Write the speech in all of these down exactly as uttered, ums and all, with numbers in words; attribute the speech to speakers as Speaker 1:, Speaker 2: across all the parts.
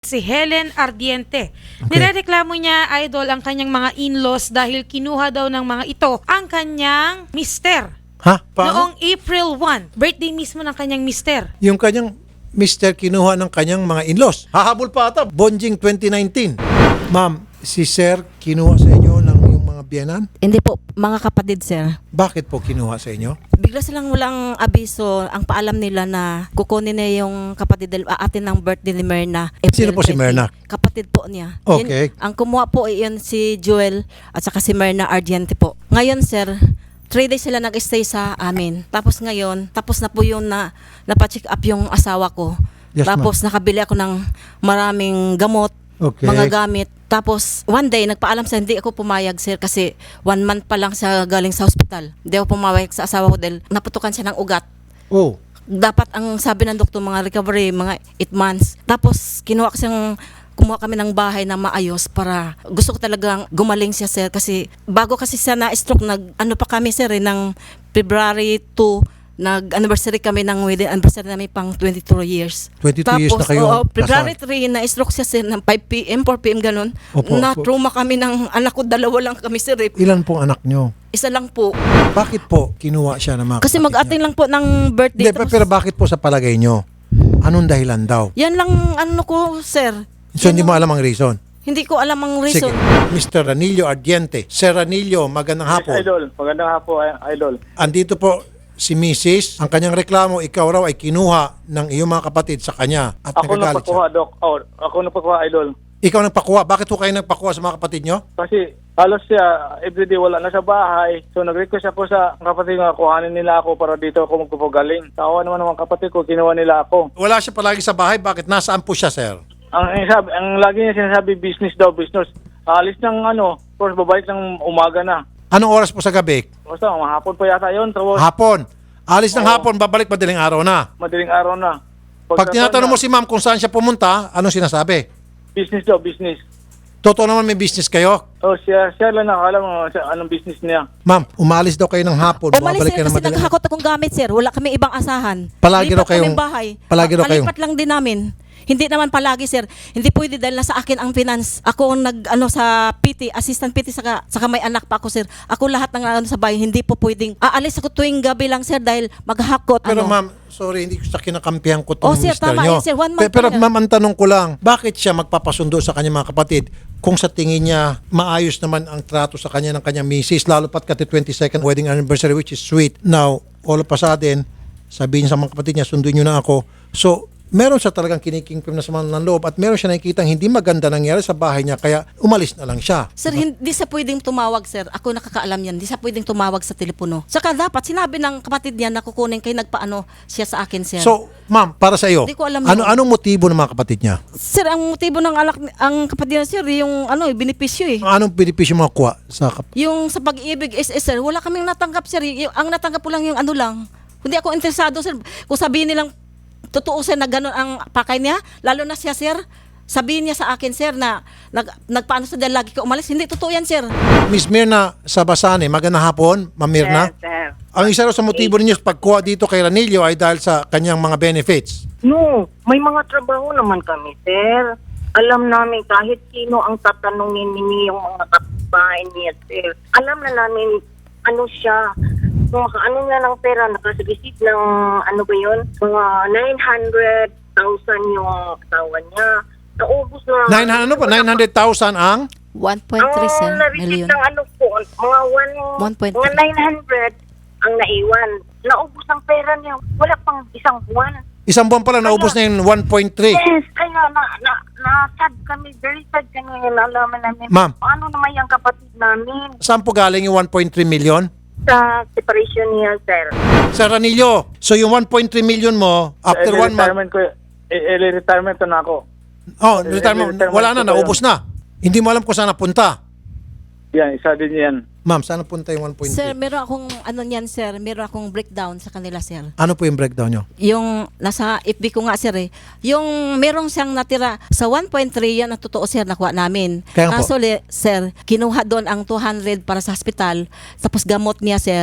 Speaker 1: Si Helen Ardiente. Nirereklamo niya, idol, ang kanyang mga in-laws dahil kinuha daw ng mga ito ang kanyang mister.
Speaker 2: Ha? Paano?
Speaker 1: Noong April first, birthday mismo ng kanyang mister.
Speaker 2: Yung kanyang mister kinuha ng kanyang mga in-laws. Hahabol pa ata. Bonjing twenty nineteen. Ma'am, si Sir kinuha sa inyo ng yung mga biyenan?
Speaker 3: Hindi po, mga kapatid, sir.
Speaker 2: Bakit po kinuha sa inyo?
Speaker 3: Bigla silang walang abiso. Ang paalam nila na kukunin na yung kapatid, uh, atin ng birthday ni Myrna. April
Speaker 2: Sino po si
Speaker 3: twenty.
Speaker 2: Myrna?
Speaker 3: Kapatid po niya.
Speaker 2: Okay.
Speaker 3: Yun, ang kumuha po iyon si Joel at saka si Myrna Ardiente po. Ngayon, sir, three days sila nag-stay sa amin. Tapos ngayon, tapos na po yun na napacheck up yung asawa ko.
Speaker 2: Yes,
Speaker 3: Tapos nakabili ako ng maraming gamot,
Speaker 2: Okay.
Speaker 3: mga gamit. Tapos one day nagpaalam sa hindi ako pumayag, sir, kasi one month pa lang siya galing sa hospital. Hindi ako pumayag sa asawa ko dahil naputukan siya ng ugat.
Speaker 2: Oh.
Speaker 3: Dapat ang sabi ng doktor mga recovery mga eight months. Tapos kinuha ko siyang kumuha kami ng bahay na maayos para gusto ko talagang gumaling siya, sir, kasi bago kasi siya na-stroke nag ano pa kami, sir, eh, ng February two nag-anniversary kami ng wedding anniversary namin pang twenty-two years.
Speaker 2: twenty-two years na kayo
Speaker 3: oo, February
Speaker 2: kasal.
Speaker 3: three na-stroke siya, sir, ng five p.m., four p.m. ganun.
Speaker 2: Opo,
Speaker 3: na
Speaker 2: opo.
Speaker 3: trauma kami ng anak ko, dalawa lang kami, sir. Eh.
Speaker 2: Ilan pong anak nyo?
Speaker 3: Isa lang po.
Speaker 2: Bakit po kinuha siya ng mga
Speaker 3: Kasi
Speaker 2: kapatid
Speaker 3: mag-ating
Speaker 2: niya?
Speaker 3: lang po ng birthday.
Speaker 2: Hindi, pero, pero bakit po sa palagay nyo? Anong dahilan daw?
Speaker 3: Yan lang ano ko, sir.
Speaker 2: So
Speaker 3: Yan
Speaker 2: hindi mo
Speaker 3: lang-
Speaker 2: alam ang reason?
Speaker 3: Hindi ko alam ang
Speaker 2: Sige.
Speaker 3: reason.
Speaker 2: mister Ranillo Ardiente. Sir Ranillo, magandang hapon.
Speaker 4: Idol, magandang hapon, Idol.
Speaker 2: Andito po si Missus Ang kanyang reklamo, ikaw raw ay kinuha ng iyong mga kapatid sa kanya at
Speaker 4: Ako
Speaker 2: nagagalit
Speaker 4: nagpakuha,
Speaker 2: siya.
Speaker 4: Doc. Oh, ako nagpakuha, Idol.
Speaker 2: Ikaw nagpakuha. Bakit po kayo nagpakuha sa mga kapatid nyo?
Speaker 4: Kasi halos siya, everyday wala na sa bahay. So nag-request ako sa kapatid nga, kuhanin nila ako para dito ako magpapagaling. Tawa naman ng mga kapatid ko, kinuha nila ako.
Speaker 2: Wala siya palagi sa bahay. Bakit? Nasaan po siya, sir?
Speaker 4: Ang, ang, sabi, ang lagi niya sinasabi, business daw, business. Alis ng ano, tapos babalik ng umaga na.
Speaker 2: Anong oras po sa gabi?
Speaker 4: Basta, mahapon pa yata yun. Tapos,
Speaker 2: Hapon. Alis ng
Speaker 4: Oo.
Speaker 2: hapon, babalik madaling araw na.
Speaker 4: madaling araw na.
Speaker 2: Pag tinatanong mo
Speaker 4: na,
Speaker 2: si ma'am kung saan siya pumunta, anong sinasabi?
Speaker 4: business daw, business.
Speaker 2: Totoo naman may business kayo?
Speaker 4: Oh, siya, siya lang nakakala mo siya, anong business niya.
Speaker 2: Ma'am, umalis daw kayo ng hapon,
Speaker 3: Umalis,
Speaker 2: bumabalik
Speaker 3: sir,
Speaker 2: kayo ng
Speaker 3: kasi
Speaker 2: madaling
Speaker 3: naghahakot akong gamit, sir. Wala kami ibang asahan.
Speaker 2: Palagi raw
Speaker 3: Lipat
Speaker 2: kayong-
Speaker 3: kaming bahay.
Speaker 2: palagi raw
Speaker 3: Pa-
Speaker 2: kayong-
Speaker 3: Palipat lang din namin. Hindi naman palagi, sir. Hindi pwede dahil nasa akin ang finance. Ako ang nag ano sa P T, assistant P T, saka, saka may anak pa ako, sir. Ako lahat ng ano sa bahay, hindi po pwedeng aalis ako tuwing gabi lang, sir, dahil maghahakot.
Speaker 2: Pero
Speaker 3: ano.
Speaker 2: ma'am, sorry, hindi ko sa kinakampihan ko itong
Speaker 3: Oh, sir,
Speaker 2: mister
Speaker 3: tama
Speaker 2: nyo.
Speaker 3: yun, sir. One month
Speaker 2: Pe- Pero
Speaker 3: pa yan.
Speaker 2: ma'am, ang tanong ko lang, bakit siya magpapasundo sa kanyang mga kapatid kung sa tingin niya maayos naman ang trato sa kanya ng kanyang misis, lalo pat kati twenty-second wedding anniversary, which is sweet. Now, all of a sudden, sabihin sa mga kapatid niya, sunduin niyo na ako. So, meron siya talagang kinikingpim na sa mga ng loob at meron siya nakikita hindi maganda nangyari sa bahay niya, kaya umalis na lang siya.
Speaker 3: Sir, hindi sa pwedeng tumawag, sir. Ako nakakaalam yan. Hindi sa pwedeng tumawag sa telepono. Saka dapat sinabi ng kapatid niya na kukunin kay nagpaano siya sa akin, sir.
Speaker 2: So, ma'am, para sa iyo,
Speaker 3: Hindi ko alam
Speaker 2: ano
Speaker 3: yun.
Speaker 2: anong motibo ng mga kapatid niya?
Speaker 3: Sir, ang motibo ng alak ang kapatid niya, sir, yung ano, eh, benepisyo eh.
Speaker 2: Anong benepisyo mga kuha sa kap-
Speaker 3: Yung sa pag-ibig is, is sir, wala kaming natanggap, sir. Yung, ang natanggap ko lang yung ano lang. Hindi ako interesado, sir. Kung sabihin nilang totoo, sir, na gano'n ang pakay niya, lalo na siya, sir, sabihin niya sa akin, sir, na nag, nagpaano sa dahil lagi ka umalis. Hindi totoo yan, sir.
Speaker 2: Miss Mirna Sabasane, magandang hapon, Ma'am Mirna.
Speaker 5: Sir, sir.
Speaker 2: Ang isa raw sa motibo ninyo sa pagkuha dito kay Ranillo ay dahil sa kanyang mga benefits.
Speaker 5: No, may mga trabaho naman kami, sir. Alam namin kahit sino ang tatanungin ninyo yung mga kapitbahay niya, sir. Alam na namin ano siya, kung makaano nga ng pera, nakasagisip ng ano ba yun, mga nine hundred thousand yung asawa niya. Naubos na.
Speaker 2: nine hundred ano pa? nine hundred thousand ang?
Speaker 3: one point three, sir,
Speaker 5: Ang na-receive
Speaker 3: million.
Speaker 5: ng ano po, mga one,
Speaker 3: one point
Speaker 5: mga
Speaker 3: three.
Speaker 5: nine hundred ang naiwan. Naubos ang pera niya. Wala pang isang buwan.
Speaker 2: Isang buwan pala, naubos na yung one point three.
Speaker 5: Yes, kaya na, na, na-sad kami, very sad kami, nalaman namin.
Speaker 2: Ma'am.
Speaker 5: Ano naman yung kapatid namin
Speaker 2: Saan po galing yung one point three million?
Speaker 5: sa separation niya, sir.
Speaker 2: Sa Ranillo, so yung one point three million mo, after
Speaker 4: Early
Speaker 2: one month,
Speaker 4: retirement ko, eh, early retirement na ako.
Speaker 2: oh,
Speaker 4: eh,
Speaker 2: retirement,
Speaker 4: retirement
Speaker 2: wala na,
Speaker 4: ko pa
Speaker 2: naubos na. Hindi mo alam kung saan napunta.
Speaker 4: Yan, isa din yan.
Speaker 2: Ma'am, saan napunta yung one point
Speaker 3: Sir,
Speaker 2: three?
Speaker 3: meron akong, ano niyan, sir, meron akong breakdown sa kanila, sir.
Speaker 2: Ano po yung breakdown nyo?
Speaker 3: Yung nasa F B ko nga, sir, eh. Yung merong siyang natira sa one point three, yan ang totoo, sir, nakuha namin.
Speaker 2: Kaya nga po.
Speaker 3: Kaso, le, sir, kinuha doon ang two hundred para sa hospital, tapos gamot niya, sir,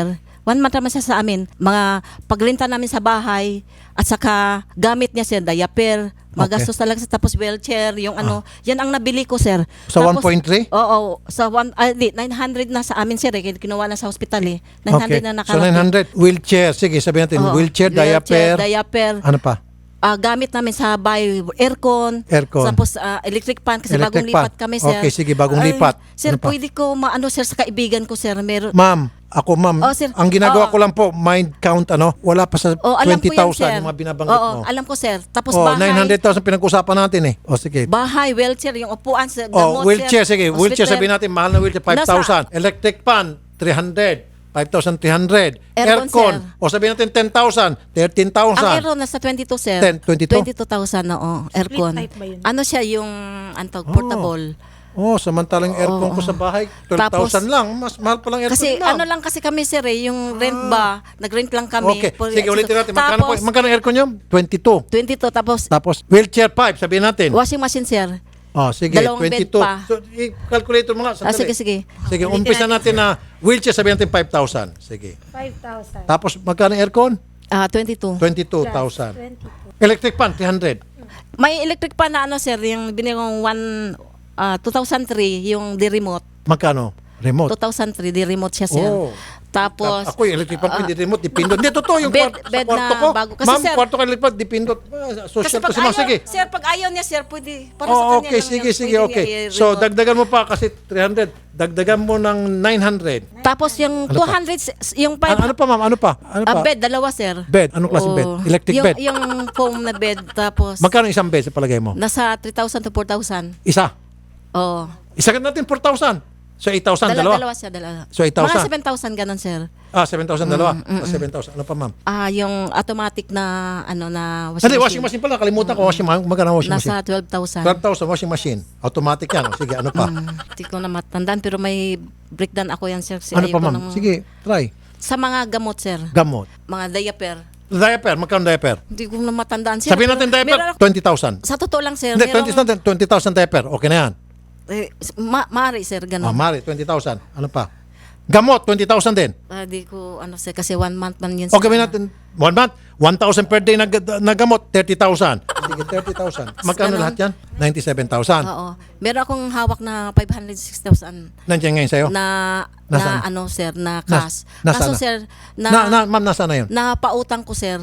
Speaker 3: One month naman siya sa amin. Mga paglenta namin sa bahay at saka gamit niya sir, diaper, magastos talaga sa tapos wheelchair, yung ano, yan ang nabili ko sir.
Speaker 2: Sa
Speaker 3: Tapos-
Speaker 2: one point three?
Speaker 3: Oo, sa one, ah, di, nine hundred na sa amin sir, eh, kinuha na sa hospital eh. nine hundred na
Speaker 2: So
Speaker 3: nakarating.
Speaker 2: nine hundred. Wheelchair. Sige, sabihin natin.
Speaker 3: Oo,
Speaker 2: Wheelchair, diaper.
Speaker 3: diaper.
Speaker 2: Ano pa?
Speaker 3: Ah, gamit namin sa bahay, aircon,
Speaker 2: Aircon.
Speaker 3: tapos ah, electric pan kasi
Speaker 2: Electric
Speaker 3: bagong
Speaker 2: pan.
Speaker 3: lipat kami sir.
Speaker 2: Okay, sige, bagong
Speaker 3: Ay,
Speaker 2: lipat.
Speaker 3: Sir,
Speaker 2: Ano pa?
Speaker 3: pwede ko maano sir sa kaibigan ko sir, meron.
Speaker 2: Ma'am, ako ma'am,
Speaker 3: Oh, sir.
Speaker 2: ang ginagawa
Speaker 3: Oo.
Speaker 2: ko lang po, mind count ano, wala pa sa
Speaker 3: Oh, alam ko
Speaker 2: twenty
Speaker 3: yan
Speaker 2: thousand
Speaker 3: sir.
Speaker 2: yung mga binabanggit
Speaker 3: Oo,
Speaker 2: mo.
Speaker 3: alam ko sir. Tapos
Speaker 2: Oh,
Speaker 3: bahay,
Speaker 2: nine hundred thousand pinag-usapan natin eh. O sige.
Speaker 3: bahay, wheelchair, yung upuan sa
Speaker 2: Oh,
Speaker 3: gamot
Speaker 2: wheelchair,
Speaker 3: sir.
Speaker 2: sige. Wheelchair,
Speaker 3: Hospital.
Speaker 2: sabihin natin, mahal na wheelchair, five thousand. Electric fan, three hundred. five thousand three hundred.
Speaker 3: Aircon,
Speaker 2: Aircon.
Speaker 3: sir.
Speaker 2: O sabihin natin ten thousand. thirteen
Speaker 3: Ang
Speaker 2: thousand.
Speaker 3: aircon nasa twenty-two sir.
Speaker 2: ten, twenty-two?
Speaker 3: twenty-two thousand, oo, aircon.
Speaker 1: type ba yun?
Speaker 3: Ano siya yung antog, portable.
Speaker 2: Oh, samantalang aircon
Speaker 3: Oo.
Speaker 2: ko sa bahay, twelve thousand lang. Mas mahal pa lang aircon.
Speaker 3: Kasi
Speaker 2: ma'am.
Speaker 3: ano lang kasi kami sir eh, yung rent ba, nag-rent lang kami.
Speaker 2: Okay,
Speaker 3: For-
Speaker 2: sige, ulitin natin. Magkano, po,
Speaker 3: Tapos,
Speaker 2: magkano aircon nyo? twenty-two.
Speaker 3: twenty-two, tapos
Speaker 2: Tapos, wheelchair pipe, sabihin natin.
Speaker 3: washing machine sir.
Speaker 2: Oh, sige,
Speaker 3: Dalawang bed
Speaker 2: twenty-two.
Speaker 3: pa.
Speaker 2: So, i-calculate mo nga.
Speaker 3: Ah,
Speaker 2: Sandali.
Speaker 3: sige, sige.
Speaker 2: Sige, umpisa natin na wheelchair, sabihin natin five thousand. Sige.
Speaker 1: five thousand.
Speaker 2: Tapos, magkano aircon?
Speaker 3: Ah, twenty-two.
Speaker 2: twenty-two thousand.
Speaker 1: twenty-two.
Speaker 2: Electric fan, three hundred.
Speaker 3: May electric pa na ano sir, yung binili kong one, ah, two thousand three, yung di remote.
Speaker 2: Magkano? Remote.
Speaker 3: two thousand three, di remote siya sir.
Speaker 2: Oh.
Speaker 3: Tapos,
Speaker 2: Ako yung electric fan, hindi remote, dipindot. Hindi, totoo yung
Speaker 3: bed-
Speaker 2: kwarto, sa
Speaker 3: bed
Speaker 2: kwarto
Speaker 3: na
Speaker 2: ko.
Speaker 3: bago. Kasi,
Speaker 2: Ma'am,
Speaker 3: sir-
Speaker 2: kwarto ka electric fan, dipindot. Ah,
Speaker 3: kasi
Speaker 2: Social
Speaker 3: pag
Speaker 2: kasi ma'am,
Speaker 3: ayaw,
Speaker 2: sige.
Speaker 3: sir, pag ayaw niya sir, pwede, para sa
Speaker 2: Oh,
Speaker 3: kanya
Speaker 2: okay,
Speaker 3: lang
Speaker 2: sige,
Speaker 3: yun,
Speaker 2: sige,
Speaker 3: pwede
Speaker 2: okay.
Speaker 3: niya
Speaker 2: So,
Speaker 3: i-remote.
Speaker 2: dagdagan mo pa kasi three hundred. Dagdagan mo ng nine hundred.
Speaker 3: Tapos yung
Speaker 2: Ano
Speaker 3: two
Speaker 2: pa?
Speaker 3: hundred, yung five
Speaker 2: Ano, ano pa, ma'am? Ano pa? Ano
Speaker 3: ah,
Speaker 2: pa?
Speaker 3: bed, dalawa sir.
Speaker 2: Bed. Anong klaseng bed?
Speaker 3: Oo.
Speaker 2: Electric
Speaker 3: yung,
Speaker 2: bed?
Speaker 3: Yung foam na bed, tapos
Speaker 2: Magkano isang bed sa palagay mo?
Speaker 3: nasa three thousand to four thousand.
Speaker 2: Isa.
Speaker 3: Oo.
Speaker 2: Isa ka natin four thousand. So, eight thousand,
Speaker 3: Dala,
Speaker 2: dalawa.
Speaker 3: dalawa siya, dalawa.
Speaker 2: So, eight thousand.
Speaker 3: Mga seven thousand ganun sir.
Speaker 2: Ah, seven thousand, dalawa. Ah, seven thousand. Ano pa, ma'am?
Speaker 3: Ah, yung automatic na, ano, na washing
Speaker 2: Hindi,
Speaker 3: machine.
Speaker 2: washing machine pala. Kalimutan ko. Washing machine. Magkano washing machine?
Speaker 3: Nasa twelve thousand.
Speaker 2: twelve thousand washing machine. Automatic yan. Sige, ano pa?
Speaker 3: Hindi ko na matandaan, pero may breakdown ako yan sir. Kasi
Speaker 2: Ano
Speaker 3: ayaw
Speaker 2: pa,
Speaker 3: ko
Speaker 2: ma'am?
Speaker 3: nang-
Speaker 2: Sige, try.
Speaker 3: Sa mga gamot sir,
Speaker 2: Gamot.
Speaker 3: mga diaper.
Speaker 2: Diaper. Magkano diaper?
Speaker 3: Hindi ko na matandaan sir.
Speaker 2: Sabihin natin
Speaker 3: Meron
Speaker 2: diaper,
Speaker 3: ako-
Speaker 2: twenty thousand.
Speaker 3: Sa totoo lang sir,
Speaker 2: Hindi,
Speaker 3: merong-
Speaker 2: twenty thousand diaper. Okay na yan.
Speaker 3: eh, ma- maaari sir, ganun.
Speaker 2: Oh, mari, twenty thousand. Ano pa? Gamot, twenty thousand din.
Speaker 3: Ah, di ko, ano sir, kasi one month man yun sir.
Speaker 2: Okay, natin. One month, one thousand per day na, na gamot, thirty thousand. Sige, thirty thousand. Magkano
Speaker 3: Ganun.
Speaker 2: lahat yan? ninety-seven thousand.
Speaker 3: Oo. Meron akong hawak na five hundred six thousand
Speaker 2: Nandiyan ngayon sa'yo?
Speaker 3: na,
Speaker 2: Nasaan?
Speaker 3: na ano sir, na
Speaker 2: Nas-
Speaker 3: cash.
Speaker 2: nasaan
Speaker 3: Kaso
Speaker 2: na?
Speaker 3: sir,
Speaker 2: Na,
Speaker 3: na,
Speaker 2: na, ma'am, nasaan na yun?
Speaker 3: na pautang ko sir.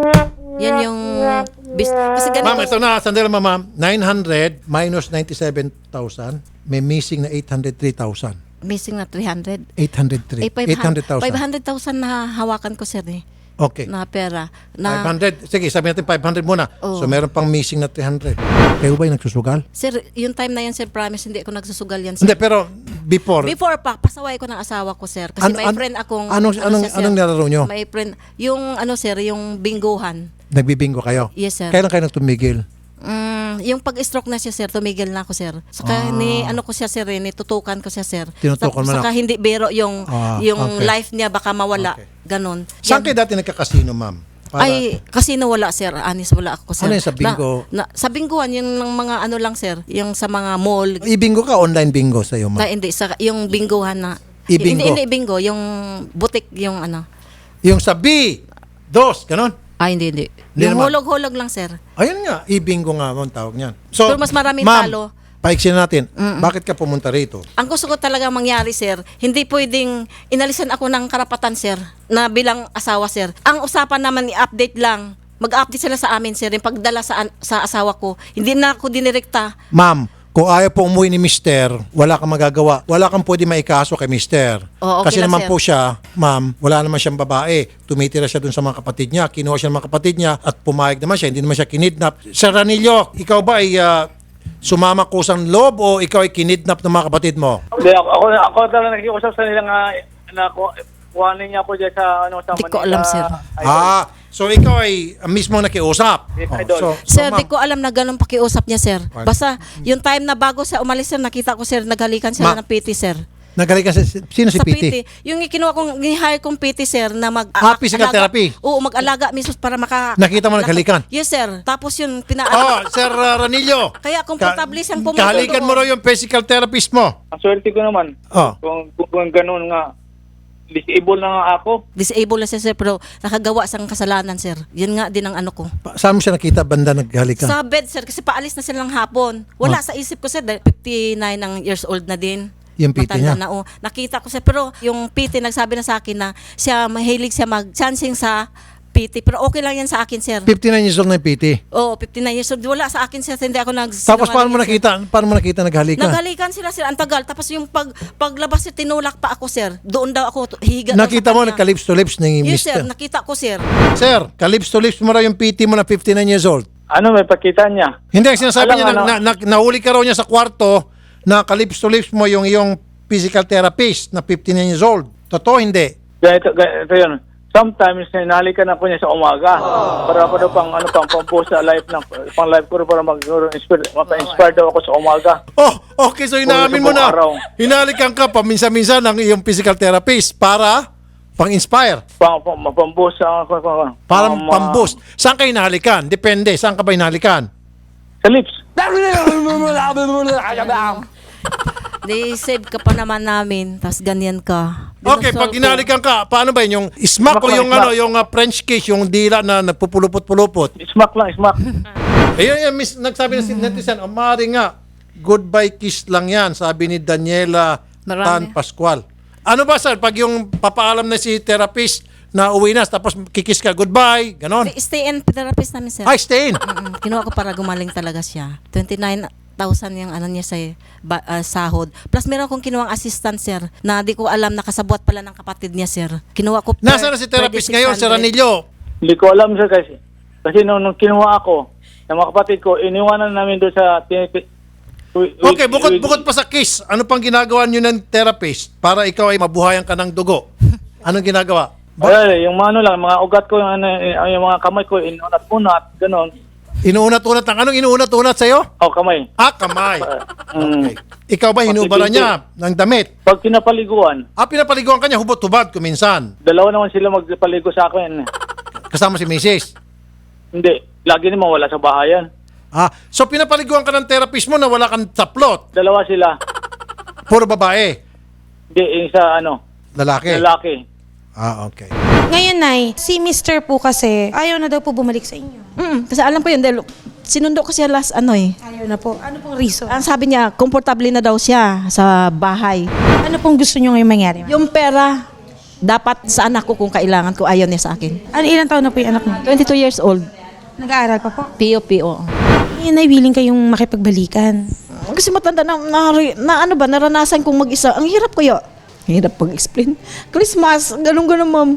Speaker 3: Yan yung, bis, kasi ganito.
Speaker 2: Ma'am, ito na, sandali ma'am, ma'am. nine hundred minus ninety-seven thousand, may missing na eight hundred three thousand.
Speaker 3: Missing na three hundred.
Speaker 2: eight hundred three.
Speaker 3: Eh,
Speaker 2: eight hundred thousand.
Speaker 3: five hundred thousand na hawakan ko sir eh.
Speaker 2: Okay.
Speaker 3: Na pera.
Speaker 2: five
Speaker 3: Na,
Speaker 2: hundred. Sige, sabihin natin five hundred muna.
Speaker 3: Oo.
Speaker 2: So, meron pang missing na three hundred. Kayo ba yung nagsusugal?
Speaker 3: sir, yung time na yan sir, promise, hindi ako nagsusugal yan sir.
Speaker 2: Hindi, pero before.
Speaker 3: Before pa, pasaway ko ng asawa ko sir. Kasi
Speaker 2: Ano-
Speaker 3: may
Speaker 2: ano-
Speaker 3: friend akong...
Speaker 2: anong-
Speaker 3: ano
Speaker 2: anong-
Speaker 3: siya, sir,
Speaker 2: anong nilaro nyo?
Speaker 3: May friend, yung ano sir, yung bingguhan.
Speaker 2: Nagbibingo kayo?
Speaker 3: Yes sir.
Speaker 2: Kailan kayo nagtumigil?
Speaker 3: Mm, yung pag-stroke na siya sir, tumigil na ako sir. Saka ni ano ko siya sir, eh, nitutukan ko siya sir.
Speaker 2: Tinutukan mo na.
Speaker 3: Saka hindi biro yung
Speaker 2: Ah,
Speaker 3: yung
Speaker 2: okay.
Speaker 3: life niya baka mawala.
Speaker 2: Okay.
Speaker 3: Ganon.
Speaker 2: Saan
Speaker 3: Yan.
Speaker 2: kayo dati nagkakasino, ma'am? Para-
Speaker 3: Ay, kasi nawala sir, anis wala ako sir.
Speaker 2: Ano yun, sa bingo?
Speaker 3: Na, na, sa bingohan, yung ng mga ano lang sir, yung sa mga mall.
Speaker 2: I-bingo ka, online bingo sa'yo,
Speaker 3: Na,
Speaker 2: ma'am?
Speaker 3: hindi, sa, yung bingohan na.
Speaker 2: I-bingo?
Speaker 3: Hindi, hindi bingo, yung butik, yung ano.
Speaker 2: Yung sa B, dos, ganon?
Speaker 3: Ay, hindi, hindi.
Speaker 2: Hindi
Speaker 3: yung
Speaker 2: naman.
Speaker 3: hulog-hulog lang sir.
Speaker 2: Ayun nga, i-bingo nga mo ang tawag niyan. So,
Speaker 3: Pero mas maraming
Speaker 2: ma'am,
Speaker 3: talo.
Speaker 2: paiksin natin, bakit ka pumunta rito?
Speaker 3: Ang gusto ko talaga mangyari, sir, hindi pwedeng inalisan ako ng karapatan, sir, na bilang asawa, sir. Ang usapan naman, i-update lang. Mag-update sila sa amin, sir, yung pagdala sa, an- sa asawa ko. Hindi na ako dinirekta.
Speaker 2: Ma'am, kung ayaw po umuwi ni mister, wala kang magagawa. Wala kang pwede maikaso kay mister.
Speaker 3: Oo, okay
Speaker 2: Kasi
Speaker 3: lang,
Speaker 2: naman
Speaker 3: sir.
Speaker 2: po siya, ma'am, wala naman siyang babae. Tumitira siya dun sa mga kapatid niya. Kinuha siya ng mga kapatid niya at pumayag naman siya. Hindi naman siya kinidnap. Sir Ranillo, ikaw ba ay ah, sumama kusang loob o ikaw ay kinidnap ng mga kapatid mo?
Speaker 4: Hindi, ako, ako, ako talaga nakikiusap sa nila nga na ku- kuhanin niya ako dyan sa, ano, sa
Speaker 3: Di ko alam, sir.
Speaker 2: Ah, so ikaw ay ah, mismo nakiusap.
Speaker 4: Yes,
Speaker 2: Oh,
Speaker 4: idol.
Speaker 2: so, so,
Speaker 3: Sir,
Speaker 2: ma'am,
Speaker 3: di ko alam na ganun pakiusap niya, sir. Basta, yung time na bago siya umalis, sir, nakita ko, sir, naghalikan sila
Speaker 2: Ma-
Speaker 3: ng P T, sir.
Speaker 2: nagaling ka sa, sino si
Speaker 3: Sa
Speaker 2: P T?
Speaker 3: Yung kinuha kong, ni-hire kong P T, sir, na mag...
Speaker 2: Ah, physical
Speaker 3: alaga-
Speaker 2: therapy?
Speaker 3: Oo, mag-alaga mismo para maka...
Speaker 2: Nakita mo naghalikan?
Speaker 3: Yes, sir. Tapos yun, pina...
Speaker 2: Oh, Sir uh, Ranillo.
Speaker 3: Kaya komportable siyang pumunta
Speaker 2: Kahalikan
Speaker 3: doon.
Speaker 2: mo raw yung physical therapist mo.
Speaker 4: Ang swerte ko naman.
Speaker 2: Oh.
Speaker 4: Kung, kung, kung ganun nga. Disable na nga ako.
Speaker 3: Disable na siya, sir, pero nakagawa sang kasalanan, sir. Yun nga din ang ano ko.
Speaker 2: Pa- Saan mo siya nakita banda naghalikan?
Speaker 3: Sa bed, sir, kasi paalis na silang hapon. Wala sa isip ko, sir, dahil fifty-nine ang years old na din.
Speaker 2: Yung P T
Speaker 3: Matanda
Speaker 2: niya?
Speaker 3: na, oh. Nakita ko siya, pero yung P T nagsabi na sa akin na siya, mahilig siya mag-chancing sa P T, pero okay lang yan sa akin, sir.
Speaker 2: fifty-nine years old na yung P T.
Speaker 3: Oo, fifty-nine years old. Wala sa akin, sir, hindi ako nag...
Speaker 2: Tapos paano mo nakita, paano mo nakita naghalikan?
Speaker 3: Naghalikan sila, sir, ang tagal. Tapos yung pag, paglabas, sir, tinulak pa ako, sir. Doon daw ako, higa daw
Speaker 2: Nakita
Speaker 3: sa
Speaker 2: mo
Speaker 3: kanya.
Speaker 2: nagka-lips to lips ni
Speaker 3: Yes, sir,
Speaker 2: mister.
Speaker 3: nakita ko, sir.
Speaker 2: Sir, ka-lips to lips mo raw yung P T mo na fifty-nine years old.
Speaker 4: Ano, may pakita niya?
Speaker 2: Hindi, ang sinasabi
Speaker 4: Alam,
Speaker 2: niya, na,
Speaker 4: ano?
Speaker 2: na, na, nahuli ka raw niya sa kwarto na ka-lips to lips mo yung iyong physical therapist na fifty-nine years old. Totoo, hindi?
Speaker 4: Ganito, ganito yun. Sometimes, hinalikan ako niya sa umaga. Para ako daw pang, ano, pang, pang post sa live ng, pang live ko para mag-inspire, mapa-inspire daw ako sa umaga.
Speaker 2: Oh, okay. So, inaamin mo na.
Speaker 4: Araw.
Speaker 2: Hinalikan ka paminsan-minsan ng iyong physical therapist para pang-inspire.
Speaker 4: Pang, pang, pang post sa, pang, pang,
Speaker 2: Para
Speaker 4: pang-
Speaker 2: pang-boost. Saan ka hinalikan? Depende. Saan ka ba hinalikan?
Speaker 4: Sa lips.
Speaker 3: Di save ka pa naman namin, tapos ganyan ka.
Speaker 2: Okay, pag
Speaker 3: Dinasol ko.
Speaker 2: hinalikan ka, paano ba yun? Yung smack o
Speaker 4: Smack lang,
Speaker 2: yung,
Speaker 4: smack.
Speaker 2: ano, yung uh, French kiss, yung dila na nagpupulupot-pulupot?
Speaker 4: Smack lang, smack.
Speaker 2: Ayun, ayun, miss, nagsabi na si netizen, oh, maaari nga, goodbye kiss lang yan, sabi ni Daniela Tan
Speaker 3: Marami.
Speaker 2: Pascual. Ano ba, sir, pag yung papaalam na si therapist na uwi na, tapos kikis ka, goodbye, ganon.
Speaker 3: Stay in therapist namin, sir.
Speaker 2: Ay, stay in.
Speaker 3: Mm-mm. Kinuha ko para gumaling talaga siya. twenty-nine thousand yung ano niya sa ba- ah, sahod. Plus meron akong kinuwang assistant, sir, na di ko alam nakasabwat pala ng kapatid niya, sir. Kinuha ko per-
Speaker 2: Nasaan na si therapist ngayon, Sir Ranillo?
Speaker 4: Hindi ko alam, sir, kasi, kasi nung, nung kinuha ako, ng mga kapatid ko, iniwanan namin doon sa... tiniti- wi- wi-
Speaker 2: Okay, bukod,
Speaker 4: wi-
Speaker 2: bukod pa sa kiss, ano pang ginagawa niyo ng therapist para ikaw ay mabuhayan ka ng dugo? Anong ginagawa? Ba-
Speaker 4: Ay, yung mga ano lang, mga ugat ko, yung, ano, yung mga kamay ko, inunat-unat, gano'n.
Speaker 2: Inuunat-unat ng anong inuunat-unat sa'yo?
Speaker 4: O, kamay.
Speaker 2: Ah, kamay.
Speaker 4: Mm.
Speaker 2: Okay. Ikaw ba hinubara niya ng damit?
Speaker 4: Pag pinapaliguan,
Speaker 2: Ah, pinapaliguan ka niya, hubot-hubad kuminsan.
Speaker 4: dalawa naman sila magpaligo sa akin.
Speaker 2: Kasama si missus.
Speaker 4: Hindi, lagi naman wala sa bahayan.
Speaker 2: Ah, so pinapaliguan ka ng therapist mo na wala kang taplot.
Speaker 4: Dalawa sila.
Speaker 2: Puro babae.
Speaker 4: Hindi, yung isa, ano,
Speaker 2: Lalaki.
Speaker 4: lalaki.
Speaker 2: Ah, okay.
Speaker 1: Ngayon, Nay, si mister po kasi ayaw na daw po bumalik sa inyo.
Speaker 3: Mm, kasi alam ko yun, dahil sinundo ko siya last ano eh.
Speaker 1: Ayaw na po. Ano pong reason?
Speaker 3: Ang sabi niya, komportable na daw siya sa bahay.
Speaker 1: Ano pong gusto nyo ngayong mangyari? ma'am?
Speaker 3: Yung pera, dapat sa anak ko kung kailangan ko, ayaw niya sa akin.
Speaker 1: Ano, ilang taon na po yung anak mo?
Speaker 3: twenty-two years old,
Speaker 1: Nag-aaral pa po?
Speaker 3: P O P O.
Speaker 1: Ngayon, Nay, willing kayong makipagbalikan.
Speaker 3: Kasi matanda na, na, na ano ba, naranasan kong mag-isa. Ang hirap kaya. Hirap pag-explain. Christmas, ganun-ganun, ma'am.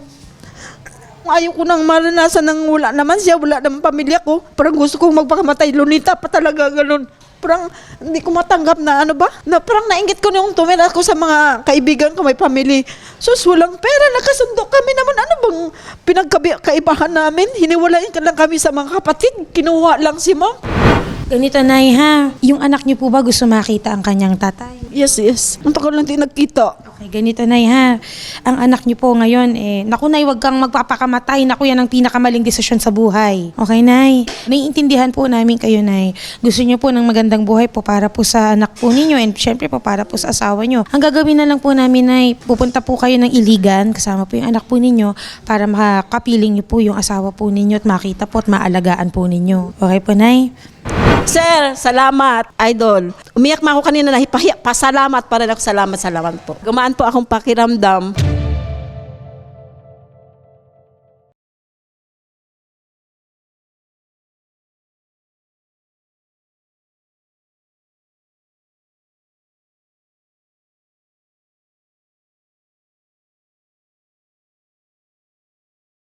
Speaker 3: Ayaw ko nang maranasan ng wala naman siya, wala naman pamilya ko. Parang gusto kong magpakamatay. Lunita pa talaga, ganun. Parang hindi ko matanggap na ano ba? Na parang nainggit ko na yung tumira ko sa mga kaibigan ko, may family. Sus, walang pera, nakasundo kami naman. Ano bang pinagkaibahan namin? Hiniwalayan ka lang kami sa mga kapatid. Kinuha lang si ma'am.
Speaker 1: Ganito, Nay, ha? Yung anak niyo po ba gusto makita ang kanyang tatay?
Speaker 3: Yes, yes. Ang tagal lang din nagkita.
Speaker 1: Okay, ganito, Nay, ha? Ang anak niyo po ngayon, eh, naku, Nay, wag kang magpapakamatay. Naku, yan ang pinakamaling desisyon sa buhay. Okay, Nay? Naiintindihan po namin kayo, Nay. Gusto niyo po ng magandang buhay po para po sa anak po ninyo and syempre po para po sa asawa niyo. Ang gagawin na lang po namin, Nay, pupunta po kayo ng Iligan, kasama po yung anak po ninyo, para makapiling niyo po yung asawa po ninyo at makita po at maalagaan po ninyo. Okay po, Nay?
Speaker 3: Sir, salamat, idol. Umiyak ma ako kanina na hipahiya. Pasalamat pa rin ako. Salamat, salamat po. Gumaan po akong pakiramdam.